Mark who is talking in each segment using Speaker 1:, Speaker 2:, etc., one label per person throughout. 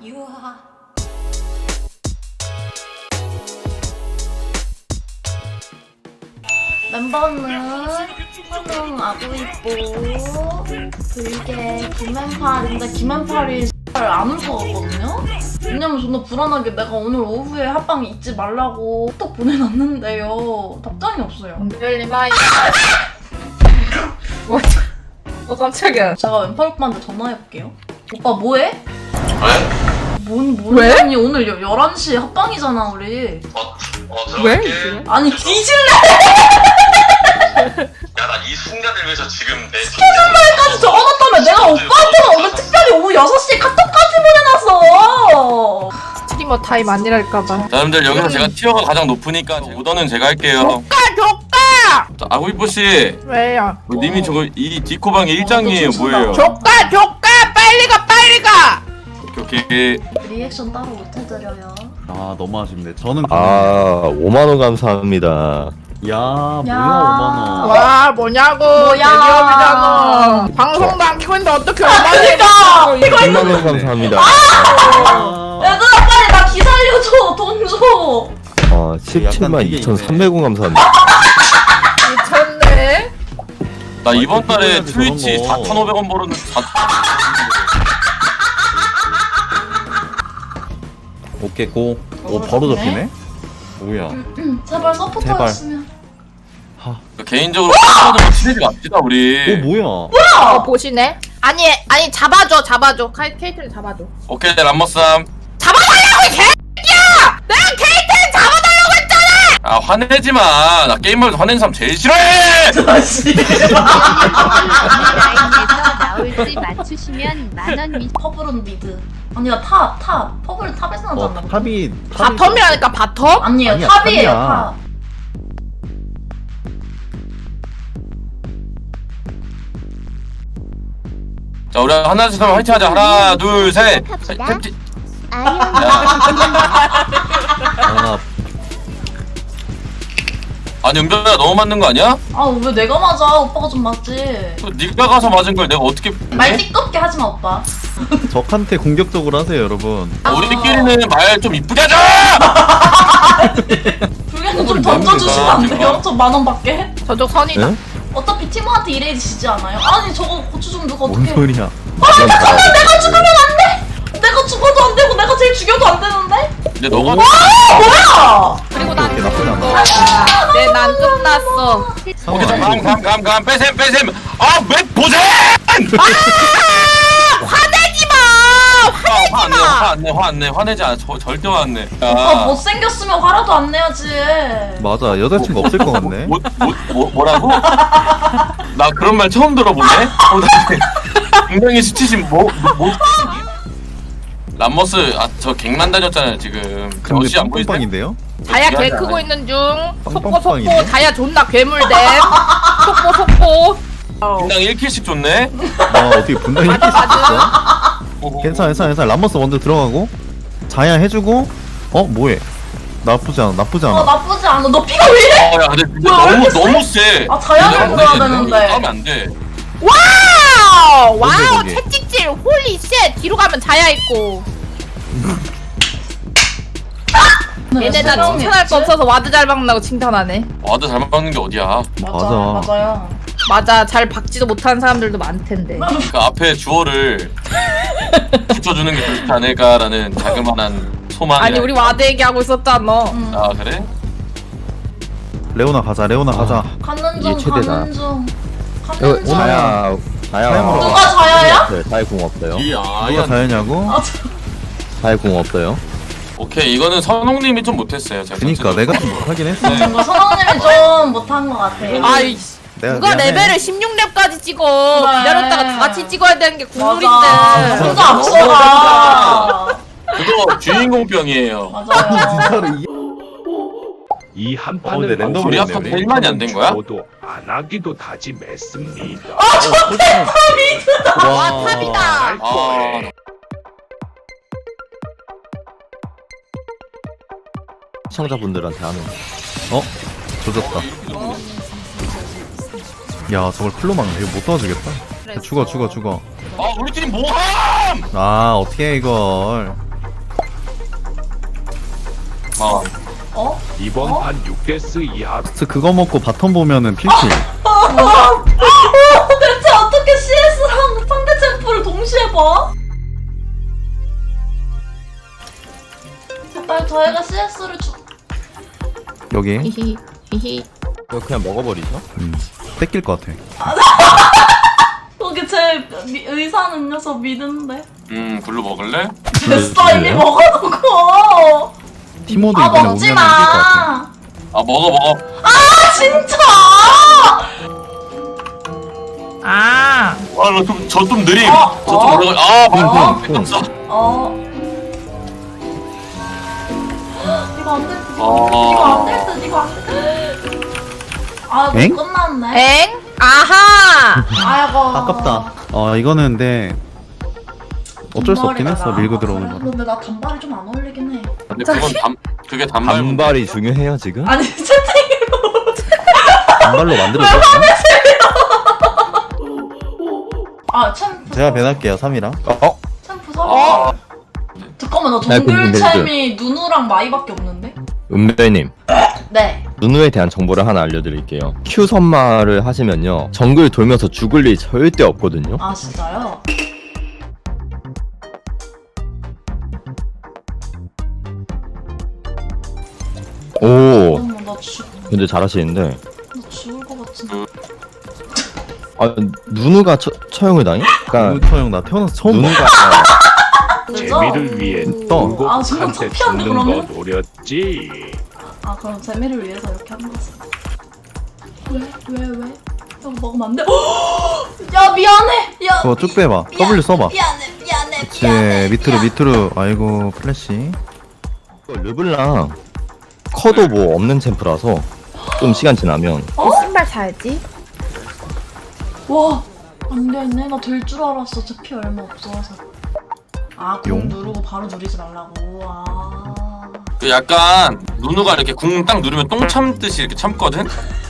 Speaker 1: 유하. 멤버는 훈ung 아구이뽀 불개 김앤팔인데 김앤팔이 안 올 것 같거든요? 왜냐면 존나 불안하게 내가 오늘 오후에 합방 잊지 말라고 톡 보내놨는데요. 답장이 없어요.
Speaker 2: 별리마이. 깜짝이야.
Speaker 1: 제가 왼팔 오빠한테 전화해볼게요. 오빠 뭐해?
Speaker 3: 왜?
Speaker 1: 뭔
Speaker 2: 왜?
Speaker 1: 아니 오늘 11시 합방이잖아 우리.
Speaker 2: 왜?
Speaker 3: 들어갈게.
Speaker 1: 아니 뒤질래!
Speaker 3: 야, 나 이 순간을 위해서 지금 내
Speaker 1: 스케줄말까지 적어놨다며 내가 오빠한테는 오늘 특별히 오후 6시에 카톡까지 보내놨어.
Speaker 2: 스트리머 타임 아니랄까봐.
Speaker 4: 여러분들 여기서 제가 티어가 가장 높으니까 오더는 제가 할게요.
Speaker 2: 조까!
Speaker 4: 자, 아구이뽀씨
Speaker 2: 왜요?
Speaker 4: 님이 저거 이 디코방의 일장이에요. 뭐예요?
Speaker 2: 조까! 빨리 가!
Speaker 4: 오케이.
Speaker 1: 리액션 따로 못 해드려요.
Speaker 5: 아 너무 아쉽네. 저는
Speaker 6: 아 5만원 감사합니다.
Speaker 5: 야 뭐야
Speaker 1: 야.
Speaker 5: 5만원.
Speaker 2: 와 뭐냐고.
Speaker 1: 뭐야.
Speaker 2: 대기업이잖아. 방송도 안 키고 있는데 어떻게
Speaker 1: 그러니까!
Speaker 6: 10만원 감사합니다.
Speaker 1: 얘들아 빨리 나 기 살려줘. 돈 줘.
Speaker 6: 17만
Speaker 5: 되게
Speaker 6: 2,300원 감사합니다.
Speaker 2: 미쳤네.
Speaker 4: 나 이번 달에
Speaker 5: 해야지,
Speaker 4: 트위치
Speaker 5: 저런 거.
Speaker 4: 4,500원 벌었는데
Speaker 5: 오케이 고. 오 바로 잡히네. 뭐야?
Speaker 1: 제발 서포터였으면.
Speaker 4: 개인적으로 팬분들 친해지 맙시다 우리.
Speaker 5: 오 뭐야?
Speaker 2: 보시네. 아니 잡아줘. 케이트를 잡아줘.
Speaker 4: 오케이 람머쌈.
Speaker 2: 잡아달라고 이 개새끼야! 내가 케이트를 잡아달라고 했잖아!
Speaker 4: 아 화내지 마. 나 게임하면서 화내는 사람 제일 싫어해.
Speaker 7: 나올지 맞추시면 만원 미.
Speaker 1: 퍼블은 미드. 아니 나 탑. 퍼블은 탑에서 나지 않나?
Speaker 5: 탑이
Speaker 2: 바텀이라니까 바텀?
Speaker 1: 아니에요.
Speaker 5: 아니야,
Speaker 1: 탑이에요.
Speaker 5: 탑이야.
Speaker 1: 탑.
Speaker 4: 자 우리 하나씩 하면 화이팅하자. 하나 둘 셋. 탭지.
Speaker 5: 하나
Speaker 4: 아니 은별아 너무 맞는 거 아니야?
Speaker 1: 아 왜 내가 맞아? 오빠가 좀 맞지.
Speaker 4: 그 네가 가서 맞은 걸 내가 어떻게?
Speaker 1: 말 띠껍게 하지 마 오빠.
Speaker 5: 적한테 공격적으로 하세요 여러분.
Speaker 4: 우리끼리는 말 좀 이쁘게 하자.
Speaker 1: 불개는 좀 던져주시면 안 돼요? 저 10,000원 밖에?
Speaker 2: 저쪽 선이다.
Speaker 5: 응?
Speaker 1: 어차피 팀원한테 이래야 지지 않아요? 아니 저거 고추 좀 누가
Speaker 5: 뭔
Speaker 1: 어떻게?
Speaker 5: 소리야?
Speaker 1: 내가 죽으면 안 돼! 내가 죽어도 안 되고 내가 제일 죽여도 안 되는데?
Speaker 4: 근데 너가
Speaker 1: 뭐야!
Speaker 2: 그리고 난
Speaker 5: 오케이, 나쁘지 않아.
Speaker 2: 거야. 난 끝났어.
Speaker 4: 오케이 감 빼셈. 아왜 보셈?
Speaker 2: 화내지 마!
Speaker 4: 화내지 않아. 절대 화안 내.
Speaker 1: 오빠 못생겼으면 화라도 안 내야지.
Speaker 5: 맞아 여자친구 없을 것 같네.
Speaker 4: 뭐라고? 나 그런 말 처음 들어보네. 굉장히 수치심 람머스 저 갱만 다녔잖아요 지금.
Speaker 5: 근데
Speaker 4: 어시 안 보이세요?
Speaker 5: 빵빵인데요?
Speaker 2: 다야 개 크고 있는 중. 속보
Speaker 5: 빵빵이네.
Speaker 2: 다야 존나 괴물됨. 속보.
Speaker 4: 분당 1킬씩 줬네.
Speaker 5: 아 어떻게 분당이 이렇게 있어? 괜찮아. 람머스 먼저 들어가고 자야 해주고. 뭐해? 나쁘지 않아.
Speaker 1: 나쁘지 않아. 너 피가 왜 이래?
Speaker 4: 야 근데 진짜
Speaker 1: 뭐야, 왜 이렇게 세?
Speaker 4: 너무 세.
Speaker 1: 아, 자연을 넣어야 되는데.
Speaker 4: 하면 안 돼.
Speaker 2: 와우!
Speaker 5: 뭔데,
Speaker 2: 채찍질 홀리 쉣. 뒤로 가면 자야 있고. 얘네 나 칭찬할 거 없어서 와드 잘 박는다고 칭찬하네.
Speaker 4: 와드 잘 맞는 게 어디야?
Speaker 1: 맞아요.
Speaker 2: 맞아, 잘 박지도 못하는 사람들도 많텐데.
Speaker 4: 그 앞에 주어를 붙여주는 게 좋지 않을까라는 자그마한 소망이.
Speaker 2: 아니 우리 와드 얘기하고 있었잖아.
Speaker 4: 아 그래?
Speaker 5: 레오나 가자.
Speaker 1: 가는
Speaker 6: 이게
Speaker 1: 중
Speaker 6: 최대다.
Speaker 1: 가는 중. 가는 중.
Speaker 6: 자야
Speaker 5: 사양으로
Speaker 1: 누가 자야야?
Speaker 6: 자야 공 없어요.
Speaker 5: 누가 자야냐고?
Speaker 6: 자야 공 없어요.
Speaker 4: 오케이 이거는 선홍님이 좀 못했어요. 제가
Speaker 5: 그니까
Speaker 4: 전체적으로.
Speaker 5: 내가 좀 못하긴 했어.
Speaker 1: 뭔가 선왕님이 좀 못한 것 같아.
Speaker 2: 아이
Speaker 5: 내가
Speaker 2: 누가
Speaker 5: 미안해.
Speaker 2: 레벨을 16렙까지 찍어.
Speaker 1: 그래.
Speaker 2: 기다렸다가 다 같이 찍어야 되는 게
Speaker 1: 맞아.
Speaker 2: 국룰인데.
Speaker 1: 혼자 앞서가.
Speaker 4: 그거 주인공병이에요.
Speaker 1: 맞아요.
Speaker 5: 진짜로
Speaker 8: 이
Speaker 5: 근데
Speaker 8: 한판은
Speaker 5: 랜덤으로
Speaker 4: 우리
Speaker 5: 했네,
Speaker 4: 합판
Speaker 5: 우리.
Speaker 4: 1만이 안 된 거야?
Speaker 8: 저도 안 하기도 다짐했습니다.
Speaker 2: 와 탑이다.
Speaker 4: 아
Speaker 6: 시청자분들한테 하는.
Speaker 5: 조졌다. 야 저걸 클로 막네. 이거 못 도와주겠다. 죽어.
Speaker 4: 우리 팀 뭐함?
Speaker 5: 아 어떻게 해 이걸.
Speaker 1: 어?
Speaker 8: 이번
Speaker 1: 어?
Speaker 8: 판 6데스 이하
Speaker 5: 그거 먹고 바텀 보면은 필킬.
Speaker 1: 대체 어떻게 CS랑 상대 챔프를 동시에 봐? 제발 저희가 CS를
Speaker 5: 여기
Speaker 2: 히히 히히.
Speaker 6: 이거 그냥 먹어버리죠?
Speaker 5: 뺏길 것 같아.
Speaker 1: 거기 제 의사 능력서 믿는데.
Speaker 4: 글로 먹을래?
Speaker 1: 됐어 이미 먹어놓고.
Speaker 5: 티모도
Speaker 1: 아
Speaker 5: 이번에
Speaker 1: 먹지
Speaker 5: 오면 이길 것 같아.
Speaker 1: 마.
Speaker 4: 아 먹어.
Speaker 1: 아 진짜.
Speaker 2: 아.
Speaker 4: 저 좀 느림.
Speaker 1: 어?
Speaker 4: 저 좀 올라가. 아
Speaker 1: 어?
Speaker 4: 뺏겼어.
Speaker 1: 이거 안 될 듯.
Speaker 4: 어.
Speaker 1: 이거 안 될 듯. 이거 안 될 듯. 아 이거
Speaker 5: 엥?
Speaker 1: 끝났네.
Speaker 2: 엥? 아하.
Speaker 1: 아이고.
Speaker 5: 아깝다. 이거는 근데 어쩔 수 없긴 했어. 밀고 들어오는 거.
Speaker 1: 근데 나 단발이 좀 안 어울리긴 해.
Speaker 4: 근데 그게 단발.
Speaker 6: 단발이 중요해요 지금?
Speaker 1: 아니 채팅으로.
Speaker 5: 단발로 만들어줬나?
Speaker 1: 아 챔프.
Speaker 5: 제가 배날게요 3이랑.
Speaker 1: 챔프 사. 잠깐만 나
Speaker 6: 나
Speaker 1: 동글
Speaker 6: 궁금해,
Speaker 1: 챔이 누누랑 마이밖에 없는데?
Speaker 6: 은별님
Speaker 1: 네.
Speaker 6: 누누에 대한 정보를 하나 알려드릴게요. Q 선마를 하시면요 정글 돌면서 죽을 일 절대 없거든요.
Speaker 1: 아 진짜요?
Speaker 6: 오
Speaker 1: 어머
Speaker 6: 근데 잘하시는데
Speaker 1: 나 죽을 것 같은데.
Speaker 6: 누누가 처형을 당해? 그러니까
Speaker 5: 루터 형나 태어나서 처음 봐.
Speaker 6: 누누가
Speaker 8: 재미를 위해
Speaker 5: 또.
Speaker 1: 아, 정말
Speaker 8: 굴곡한테
Speaker 1: 창피한데,
Speaker 8: 죽는 거
Speaker 1: 그러면?
Speaker 8: 노렸지.
Speaker 1: 아 그럼 재미를 위해서 이렇게 한 거지. 왜? 이거 먹으면 안 돼? 야 미안해. 야
Speaker 5: 그거 쭉 빼봐. W 써봐.
Speaker 1: 미안해.
Speaker 5: 그치 밑으로. 아이고 플래시.
Speaker 6: 르블랑 커도 뭐 없는 챔프라서 좀 시간 지나면
Speaker 2: 신발 사야지.
Speaker 1: 와, 안 되네. 나 될 줄 알았어. 제 피 얼마 없어서. 아, 공
Speaker 5: 용?
Speaker 1: 누르고 바로 누리지 말라고. 아.
Speaker 4: 그 약간 누누가 이렇게 궁 딱 누르면 똥 참듯이 이렇게 참거든.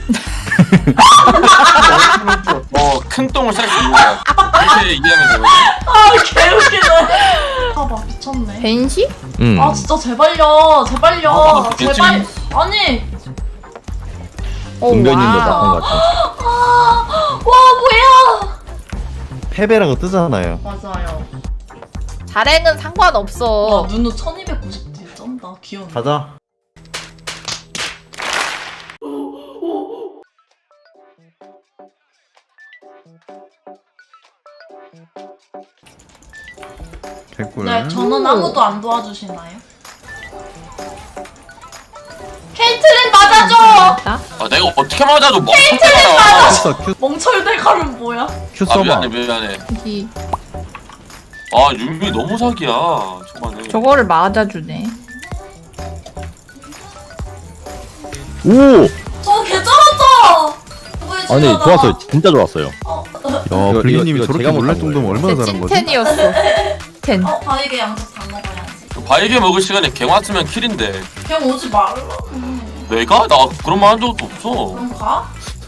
Speaker 4: 큰 똥을 쌀 수 있는 거야. 이렇게 이해하면 돼요.
Speaker 1: 아, 개웃기네. 봐봐, 미쳤네.
Speaker 2: 벤시?
Speaker 1: 아, 진짜 제발요. 제발.
Speaker 4: 괜찮지?
Speaker 1: 아니.
Speaker 6: 은별님도
Speaker 2: 와우.
Speaker 6: 나쁜 것 같아.
Speaker 1: 와, 뭐야.
Speaker 5: 패배라고 뜨잖아요.
Speaker 1: 맞아요.
Speaker 2: 자랭은 상관없어.
Speaker 1: 와, 누누 1290딜 쩐다. 귀여운데.
Speaker 5: 가자. 개꿀.
Speaker 1: 네, 저는 아무도 안 도와주시나요? 케이틀린 맞아줘!
Speaker 4: 아 내가 어떻게 맞아도 멍청하다.
Speaker 5: 했어 Q
Speaker 1: 멍철대가는 뭐야?
Speaker 5: Q
Speaker 4: 아
Speaker 5: 써봐.
Speaker 4: 미안해.
Speaker 2: 이
Speaker 4: 아 윤미 너무 사기야 초반에.
Speaker 2: 저거를 맞아주네.
Speaker 6: 오!
Speaker 1: 저 개쩔었죠?
Speaker 6: 아니 좋았어요. 진짜 좋았어요.
Speaker 5: 야
Speaker 6: 이거
Speaker 5: 블리님이 저렇게
Speaker 6: 제가
Speaker 5: 놀랄
Speaker 6: 못한
Speaker 5: 정도면 얼마나
Speaker 2: 제
Speaker 5: 잘한 거지?
Speaker 2: 찐텐이었어. 텐.
Speaker 1: 바이게 양쪽 다 먹어야지.
Speaker 4: 바이게 먹을 시간에 갱 왔으면 킬인데.
Speaker 1: 그냥 오지 말라고.
Speaker 4: 내가? 나 그런 말 한 적도 없어.
Speaker 1: 그럼 가?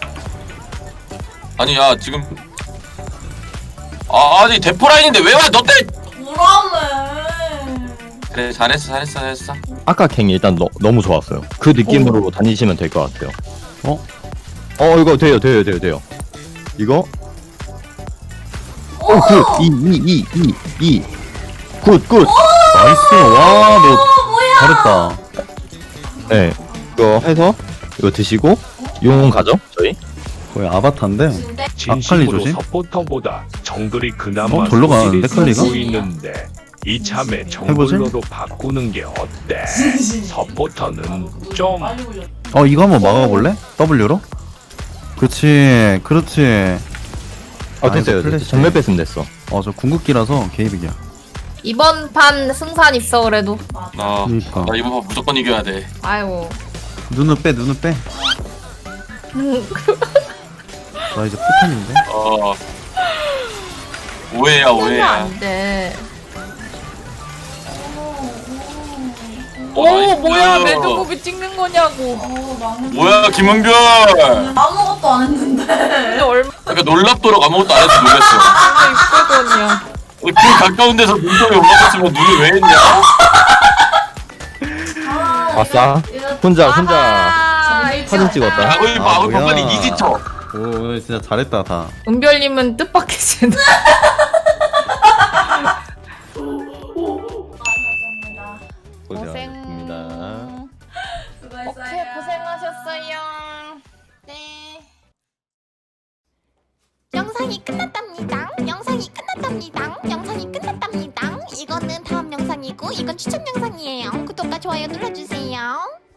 Speaker 4: 아니 야 지금 아니 대포라인인데 왜 와? 너 때문에.
Speaker 1: 오라매.
Speaker 4: 그래 잘했어.
Speaker 6: 아까 갱이 일단 너무 좋았어요. 그 느낌으로 다니시면 될 것 같아요. 이거 돼요. 이거 굿! 굿!
Speaker 5: 나이스. 와 너
Speaker 1: 뭐야?
Speaker 5: 잘했다.
Speaker 6: 네 이거 해서 이거 드시고 용 가죠 저희.
Speaker 5: 거의 아바타인데.
Speaker 8: 진심으로
Speaker 5: 조심?
Speaker 8: 서포터보다 정글이 그나마
Speaker 5: 절로 가는데,
Speaker 8: 소질이
Speaker 5: 칼리가?
Speaker 8: 보이는데 이참에 정글러로 바꾸는 게 어때? 서포터는 좀
Speaker 1: 빨리 올려.
Speaker 5: 이거 한번 막아볼래? W로? 그렇지.
Speaker 6: 됐어요.
Speaker 5: 플래시.
Speaker 6: 정말 뺐으면 됐어.
Speaker 5: 저 궁극기라서 개이득이야.
Speaker 2: 이번 판 승산 있어 그래도.
Speaker 4: 나
Speaker 5: 그니까.
Speaker 4: 이번 판 무조건 이겨야 돼.
Speaker 2: 아이고.
Speaker 5: 눈을 빼. 나 이제 포탄인데.
Speaker 4: 오해야.
Speaker 2: 안 돼.
Speaker 4: 오
Speaker 2: 뭐야 매드무비 찍는 거냐고.
Speaker 1: 나는
Speaker 4: 뭐야 김은별.
Speaker 1: 아무것도 안 했는데.
Speaker 2: 근데 얼마
Speaker 4: 그러니까 놀랍도록 아무것도 안 해서 놀랐어.
Speaker 2: 있거든요.
Speaker 4: 그 가까운 데서 눈썹이 올라갔으면 눈이 왜 했냐?
Speaker 1: 아
Speaker 6: 아싸. 혼자 사진 찍었다.
Speaker 4: 아구이 봐, 아구이
Speaker 5: 뭐야.
Speaker 4: 빨리 이지쳐.
Speaker 5: 오, 오늘 진짜 잘했다 다.
Speaker 2: 은별님은 뜻밖이시네.
Speaker 5: 고생하셨습니다.
Speaker 1: 수고했어요.
Speaker 2: 고생하셨어요.
Speaker 7: 네. 영상이 끝났답니다. 영상이 끝났답니다. 영상이 끝났답니다. 이거는 다음 영상이고 이건 추천 영상이에요. 구독과 좋아요 눌러주세요.